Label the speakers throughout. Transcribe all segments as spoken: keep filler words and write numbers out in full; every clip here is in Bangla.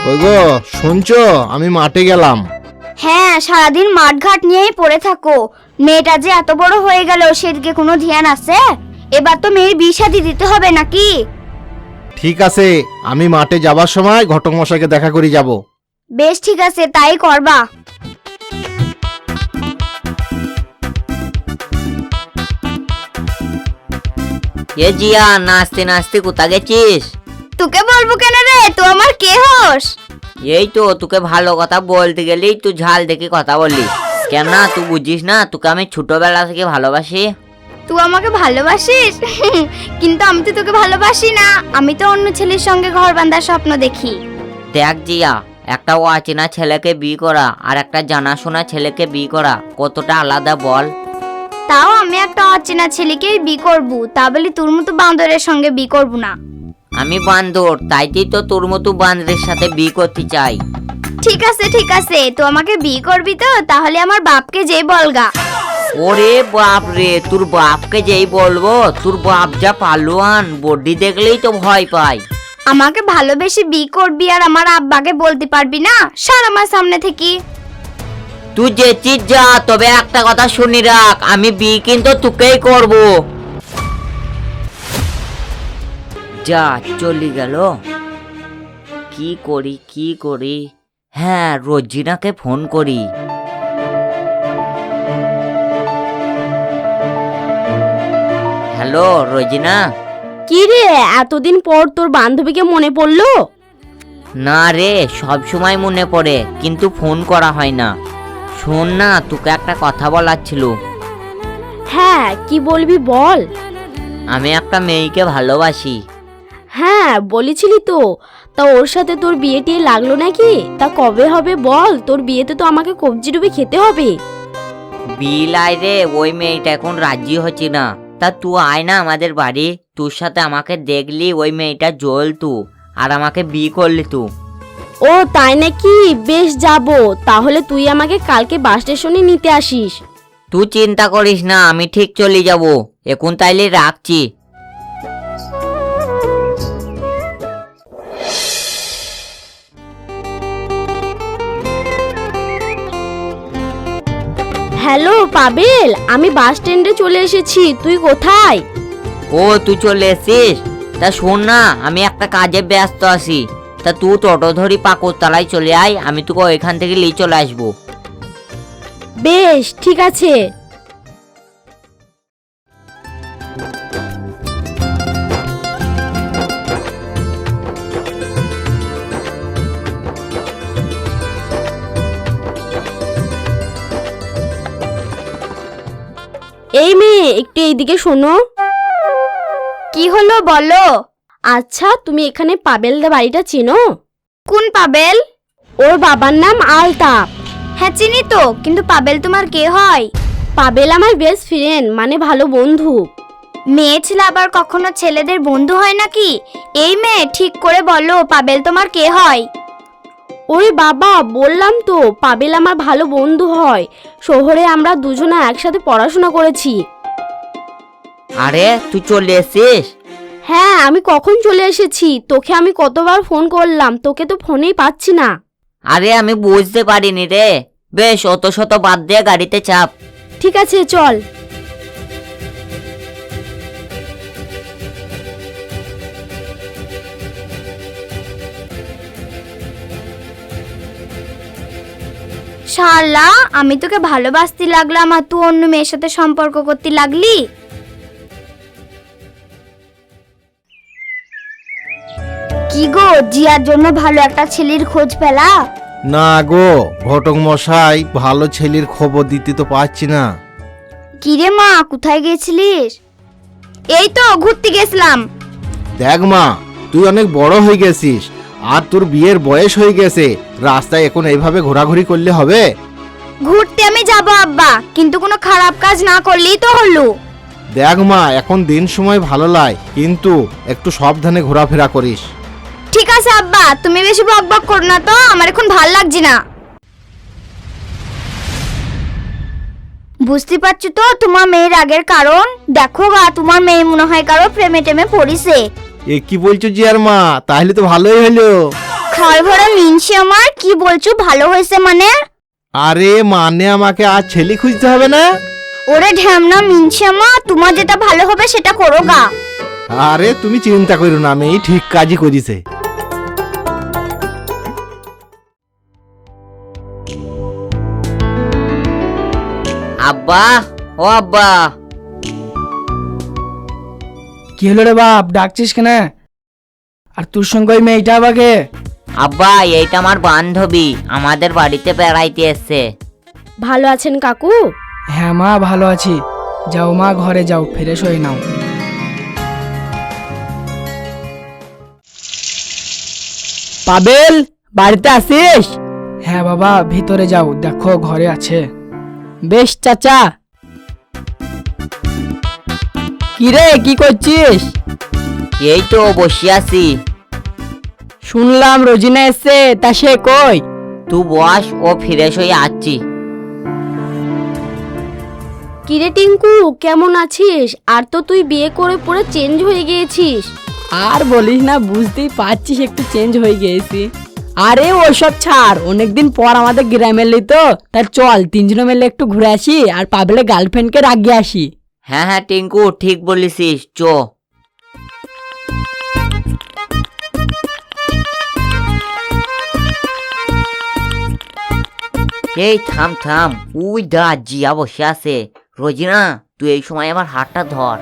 Speaker 1: ওই গো শুনছো, আমি মাঠে গেলাম।
Speaker 2: হ্যাঁ, সারাদিন মাঠঘাট নিয়েই পড়ে থাকো। মেয়েটা যে এত বড় হয়ে গেল সেদিকে কোনো ধ্যান আছে? এবার তো মেয়ের বিয়ে শাদী দিতে হবে নাকি?
Speaker 1: ঠিক আছে, আমি মাঠে যাবার সময় ঘটক মশাইকে দেখা করে যাব।
Speaker 2: বেশ, ঠিক আছে, তাই করবা।
Speaker 3: এ জিয়া, নাচতে নাচতে কোথা গেছিস?
Speaker 2: তোকে বলবো কেন রে, তো আমার কে হোস?
Speaker 3: এই তো তোকে ভালো কথা বলতে গেলেই তুই ঝাল দেখে কথা বললি কেন? না তুই বুঝিস না, তোকে আমি ছোটবেলা থেকে ভালোবাসি।
Speaker 2: তুই আমাকে ভালোবাসিস? কিন্তু আমি তো তোকে ভালোবাসি না, আমি তো অন্য ছেলের সঙ্গে ঘর বাঁধার স্বপ্ন দেখি।
Speaker 3: দেখ জিয়া, একটা অচেনা ছেলেকে বিয়ে করা আর একটা জানাশোনা ছেলেকে বিয়ে করা কতটা আলাদা বল?
Speaker 2: তাও আমি একটা অচেনা ছেলেকে বিয়ে করবো, তা বলি তোর মতো বান্দরের সঙ্গে বিয়ে করবো না।
Speaker 3: আমি বান্দর, তাইতেই তো তোর মতো বান্দরের সাথে বিয়ে করতে চাই।
Speaker 2: ঠিক আছে ঠিক আছে, তো আমাকে বিয়ে করবি তো? তাহলে আমার বাপকে যেই বলগা।
Speaker 3: ওরে বাপ রে, তোর বাপকে যেই বলবো, তোর বাপ যা পালোয়ান, বডি দেখলেই তো ভয় পায়।
Speaker 2: আমাকে ভালোবেসে বিয়ে করবি আর আমার আব্বাকে বলতে পারবি না? সর আমার সামনে থেকে।
Speaker 3: তুই যেছিস যা, তবে একটা কথা শুনি রাখ, আমি বিয়ে কিন্তু তোকেই করব। যা চলে গেল। কি করি কি করি? হ্যাঁ, রোজিনাকে ফোন করি। হ্যালো রোজিনা।
Speaker 4: কি রে, এতদিন পর তোর বান্ধবীকে মনে পড়লো?
Speaker 3: না রে, সব সময় মনে পড়ে, কিন্তু ফোন করা হয় না। শোন না, তোকে একটা কথা বলার ছিল।
Speaker 4: হ্যাঁ, কি বলবি বল।
Speaker 3: আমি একটা মেয়েকে ভালোবাসি।
Speaker 4: হ্যাঁ বলেছিলি তো, তা ওর সাথে তোর বিয়ে টিয়ে লাগলো নাকি? তা কবে হবে বল, তোর বিয়েতে তো আমাকে কবজি ডুবে খেতে হবে।
Speaker 3: বিলাই রে, ওই মেয়েটা এখন রাজি হচ্ছে না। তা তুই আয় না আমাদের বাড়ি, তোর সাথে আমাকে দেখলি ওই মেয়েটা জ্বলতু আর আমাকে বিয়ে করলি তু।
Speaker 4: ও তাই নাকি? বেশ যাব, তাহলে তুই আমাকে কালকে বাস স্টেশনে নিতে আসিস।
Speaker 3: তুই চিন্তা করিস না, আমি ঠিক চলে যাব। এখন তাইলে রাখছি।
Speaker 4: হ্যালো পাবেল, আমি বাস স্ট্যান্ডে চলে এসেছি, তুই কোথায়?
Speaker 3: ও তুই চলে এসছিস? তা শোন না, আমি একটা কাজে ব্যস্ত আছি। তা তুই টোটো ধরি পাকুড়তলায় চলে আয়, আমি তোকে ওইখান থেকে নিয়ে চলে আসবো।
Speaker 4: বেশ ঠিক আছে। এই মেয়ে, একটু এইদিকে শোনো।
Speaker 2: কি হলো বলো।
Speaker 4: আচ্ছা, তুমি এখানে পাবেলদা বাড়িটা চেনো?
Speaker 2: কোন পাবেল?
Speaker 4: ওর বাবার নাম আলতাপ।
Speaker 2: হ্যাঁ চিনি তো, কিন্তু পাবেল তোমার কে হয়?
Speaker 4: পাবেল আমার বেস্ট ফ্রেন্ড, মানে ভালো বন্ধু।
Speaker 2: মেয়ে ছেলে আবার কখনো ছেলেদের বন্ধু হয় নাকি? এই মেয়ে ঠিক করে বলো, পাবেল তোমার কে হয়?
Speaker 4: ওরে বাবা, বললাম তো পাবেল আমার ভালো বন্ধু হয়। শহরে আমরা দুজনে একসাথে পড়াশোনা করেছি।
Speaker 3: আরে তুই চলে এসছিস?
Speaker 4: হ্যাঁ, আমি কখন চলে এসেছি, তোকে আমি কতবার ফোন করলাম, তোকে তো ফোনেই পাচ্ছি না।
Speaker 3: আরে আমি বুঝতে পারিনি রে। বেশ, অত শত বাদ দিয়ে গাড়িতে চাপ।
Speaker 4: ঠিক আছে চল।
Speaker 2: শালা, আমি তোকে ভালোবাসতে লাগলাম আর তুই অন্য মেয়ের সাথে সম্পর্ক করতে লাগলি। কি গো, জিয়ার জন্য ভালো একটা ছেলের খোঁজ পেলা?
Speaker 1: না গো ঘটক মশাই, ভালো ছেলের খবর দিতে তো পারছি না।
Speaker 2: কিরে মা, কোথায় গেছিলিস? এই তো ঘুরতে গেছিলাম।
Speaker 1: দেখ মা, তুই অনেক বড় হয়ে গেছিস আর তোর বিয়ের বয়স হয়ে গেছে, রাস্তায় এখন এইভাবে ঘোরাঘুরি করলে হবে?
Speaker 2: ঘুরতে আমি যাব আব্বা, কিন্তু কোনো খারাপ কাজ না করলেই তো হলো।
Speaker 1: দেখ মা, এখন দিন সময় ভালো লাগে, কিন্তু একটু সাবধানে ঘোরাফেরা করিস।
Speaker 2: ঠিক আছে আব্বা, তুমি বেশি বক বক করো না তো, আমার এখন ভাল লাগছে না। বুঝতে পারছো তো তোমার মেয়ের আগের কারণ? দেখো গা, তোমার মেয়ে মনে হয় কারো প্রেমে টেমে পড়িছে।
Speaker 1: এ কি বলছো জিয়ার মা? তাহলে তো ভালোই হলো।
Speaker 2: ঘর ভরা মিনছি আমার, কি বলছো ভালো হয়েছে মানে?
Speaker 1: আরে মানে আমাকে আর ছেলে খুঁজতে হবে না।
Speaker 2: ওরে ঢ্যামনা মিনছি আমার, তোমার যেটা ভালো হবে সেটা করো গা।
Speaker 1: আরে তুমি চিন্তা করো না, আমি ঠিক কাজই করিছে।
Speaker 3: আব্বা, ও আব্বা।
Speaker 5: কি হলো রে বাপ, ডাকছিস কেন? আর তোর সঙ্গে ওই মেয়েটা আবাকে?
Speaker 3: আব্বা, এইটা আমার বান্ধবী, আমাদের বাড়িতে বেড়াইতে এসছে।
Speaker 4: ভালো আছেন কাকু?
Speaker 5: হ্যাঁ মা, ভালো আছি। যাও মা, ঘরে যাও, ফ্রেশ হয়ে নাও।
Speaker 6: পাবেল, বাড়িতে আসিস?
Speaker 5: হ্যাঁ বাবা, ভিতরে যাও, দেখো ঘরে আছে।
Speaker 6: বেশ চাচা। কিরে, কি করছিস?
Speaker 3: এই তো বসে আছি।
Speaker 6: শুনলাম রোজিনা এসছে, তা সে কই?
Speaker 3: তুই বস, ও ফ্রেশ হয়ে আসছি।
Speaker 4: কিরে টিঙ্কু, কেমন আছিস? আর তো তুই বিয়ে করে পুরো চেঞ্জ হয়ে গিয়েছিস।
Speaker 6: আর বলিস না, বুঝতেই পারছিস একটু চেঞ্জ হয়ে গেছি। আরে ওসব ছাড়, অনেকদিন পর আমাদের গ্রামে এলি তো, তাই চল তিনজনে মিলে একটু ঘুরে আসি আর পাবেলের গার্লফ্রেন্ডকে রাগিয়ে আসি।
Speaker 3: হ্যাঁ হ্যাঁ টিঙ্কু, ঠিক বলেছিস, চ। এই থাম থাম, উই দা জিয়া বসে আছে। রোজিনা, তুই এই সময় আমার হাতটা ধর।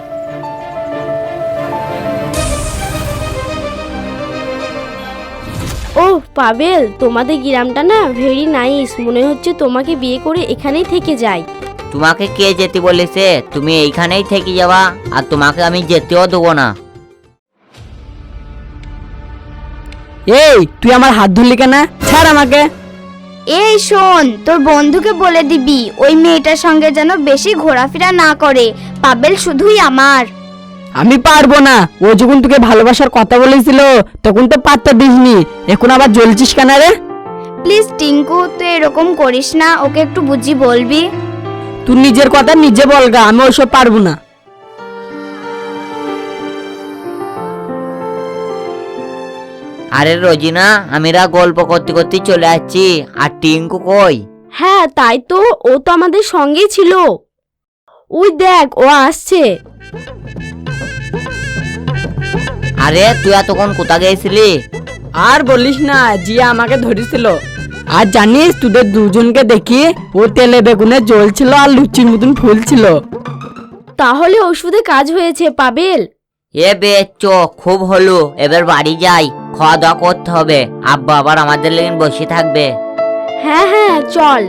Speaker 4: ও পাবেল, তোমাদের গ্রামটা না ভেরি নাইস, মনে হচ্ছে তোমাকে বিয়ে করে এখানেই থেকে যাই।
Speaker 3: তোমাকে কে যেতে বলেছে? তুমি এইখানেই থেকে যাবা, আর তোমাকে আমি যেতেও দেবো না।
Speaker 6: এই তুই আমার হাত ধরলি কেন? ছাড় আমাকে।
Speaker 2: এই শোন, তোর বন্ধুকে বলে দিবি ওই মেয়েটার সঙ্গে যেন বেশি ঘোরাফেরা না করে। পাবেল শুধুই আমার।
Speaker 6: আমি পারবো না, ও যখন তোকে ভালোবাসার কথা বলেছিল তখন তো পাত্তা দিসনি, এখন আবার জ্বলছিস কেন রে?
Speaker 2: প্লিজ টিঙ্কু, তুই এরকম করিস না, ওকে একটু বুঝি বলবি।
Speaker 6: তুই নিজের কথা নিজে বলগা, আমি ওসব পারবো না।
Speaker 3: আরে রোজিনা, আমিরা গল্প করতে করতে চলে আসছি। আর টিঙ্কু কই?
Speaker 4: হ্যাঁ তাই তো, ও তো আমাদের সঙ্গেই ছিল। ওই দেখ, ও আসছে।
Speaker 3: আরে তুই এতক্ষণ কোথা গেছিলি?
Speaker 6: আর বলিস না, জিয়া আমাকে ধরেছিল। আর জানিস, তোদের দুজনকে দেখি ও তেলে বেগুনে জ্বলছিল আর লুচির মতন ফুলছিল।
Speaker 4: তাহলে ওষুধে কাজ হয়েছে পাবেল।
Speaker 3: এ বে চ, খুব হলো, এবার বাড়ি যাই, খাওয়া দাওয়া করতে হবে। আব্বা আবার আমাদের লেগে বসে থাকবে।
Speaker 4: হ্যাঁ হ্যাঁ চল।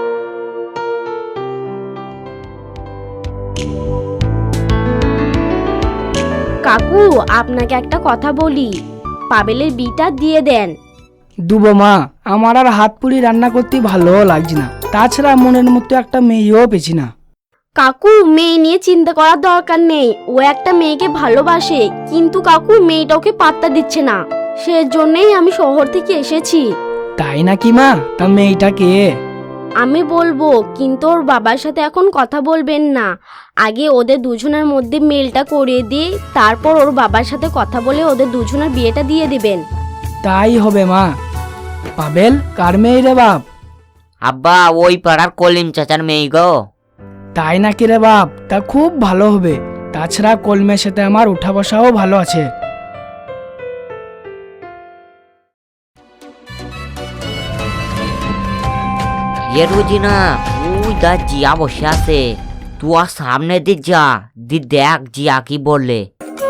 Speaker 4: কাকু, আপনাকে একটা কথা বলি, পাবেলের বিটা দিয়ে দেন।
Speaker 5: দুবো মা, আমার আর হাত পুড়ি রান্না করতে ভালো লাগছে না, তাছাড়া মনের মতো একটা মেয়েও পেছি না।
Speaker 4: কাকু, মেয়ে নিয়ে চিন্তা করার দরকার নেই, ও একটা মেয়েকে ভালোবাসে, কিন্তু কাকু মেয়েটা ওকে পাত্তা দিচ্ছে না, সেজন্যই আমি শহর থেকে এসেছি।
Speaker 5: তাই নাকি মা? তা মেয়েটা কে?
Speaker 4: আমি বলবো, কিন্তু ওর বাবার সাথে এখন কথা বলবেন না, আগে ওদের দুজনের মধ্যে মেলটা করিয়ে দিয়ে তারপর ওর বাবার সাথে কথা বলে ওদের দুজনের বিয়েটা দিয়ে দিবেন।
Speaker 5: তাই হবে মা। পাবেল কার মেয়ে রে বাপ?
Speaker 3: আব্বা, ওই পাড়ার কলিম চাচার মেয়ে গো।
Speaker 5: তাই নাকি রে বাপ? তা খুব ভালো হবে, তাছাড়া কলমের সাথে আমার উঠা বসাও ভালো আছে।
Speaker 3: এ রোজিনা, ওই দা জিয়া বসে আছে, তুই আর সামনে দি যা, দি দেখ জিয়া কি বললে।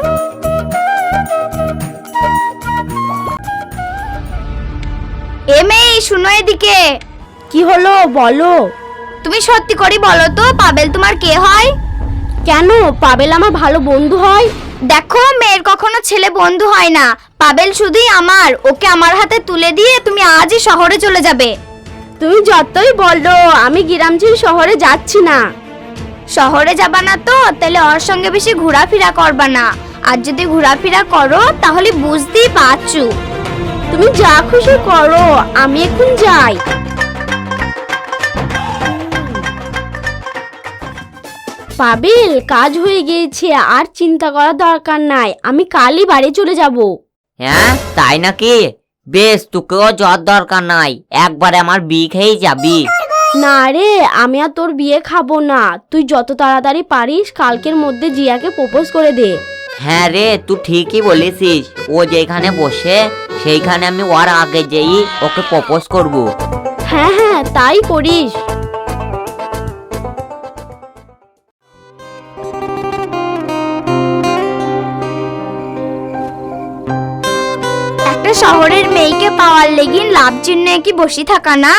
Speaker 2: এ মেয়ে, শুনো এদিকে।
Speaker 4: কি হলো বলো।
Speaker 2: তুমি সত্যি করে বলো তো, পাবেল তোমার কে হয়?
Speaker 4: কেন, পাবেল আমার ভালো বন্ধু হয়।
Speaker 2: দেখো, মেয়ের কখনো ছেলে বন্ধু হয় না, পাবেল শুধুই আমার। ওকে আমার হাতে তুলে দিয়ে তুমি আজই শহরে চলে যাবে।
Speaker 4: তুমি যতই বলো, আমি গ্রাম ছেড়ে শহরে যাচ্ছি না।
Speaker 2: শহরে যাবা না তো তাহলে ওর সঙ্গে বেশি ঘোরাফেরা করবা না, আর যদি ঘোরাফেরা করো তাহলে বুঝতেই পারছো।
Speaker 4: তুমি যা খুশি করো, আমি এখন যাই। পাবেল, কাজ হয়ে গিয়েছে, আর চিন্তা করার দরকার নাই, আমি কালই বাড়ি চলে যাব।
Speaker 3: হ্যাঁ তাই নাকি? বেশ, তোকেও জ্বর দরকার নাই, একবারে আমার বি খেয়েই যাবি।
Speaker 4: না রে, আমি আর তোর বিয়ে খাবো না। তুই যত তাড়াতাড়ি পারিস কালকের মধ্যে জিয়াকে প্রপোজ করে দে।
Speaker 3: হ্যাঁ রে, তুই ঠিকই বলেছিস। ও যেখানে বসে সেইখানে আমি ওর আগে যেই ওকে প্রপোজ করব।
Speaker 4: হ্যাঁ হ্যাঁ, তাই করিস।
Speaker 2: একটা শহরের মেয়েকে পাওয়ার লেগিন লাভ চিহ্ন কি বসে থাকা না?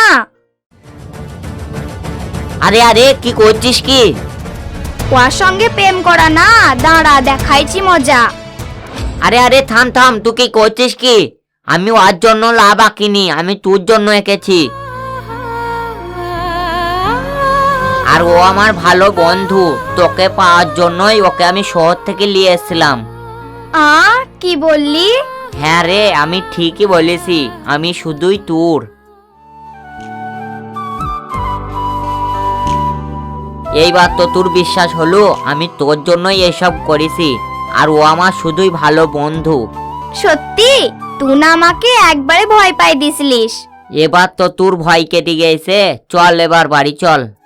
Speaker 3: আরে আরে, কি করছিস কি?
Speaker 2: ওর সঙ্গে প্রেম করা না, দাঁড়া দেখাইছি মজা।
Speaker 3: আরে আরে, থাম থাম, তুই কি করছিস কি? আমি ওর জন্য লাভ আঁকিনি, আমি তোর জন্য এঁকেছি। আর ও আমার ভালো বন্ধু, তোকে পাওয়ার জন্যই ওকে আমি শহর থেকে নিয়ে এসেছিলাম।
Speaker 2: আ কি বললি?
Speaker 3: হ্যাঁ রে, আমি ঠিকই বলেছি, আমি শুধুই তোর। এইবার তো তোর বিশ্বাস হলো আমি তোর জন্যই এসব করেছি, আর ও আমার শুধুই ভালো বন্ধু।
Speaker 2: সত্যি? তুই না আমাকে একবারে ভয় পাই দিছিলিস।
Speaker 3: এবার তো তোর ভয় কেটে গেছে, চল এবার বাড়ি চল।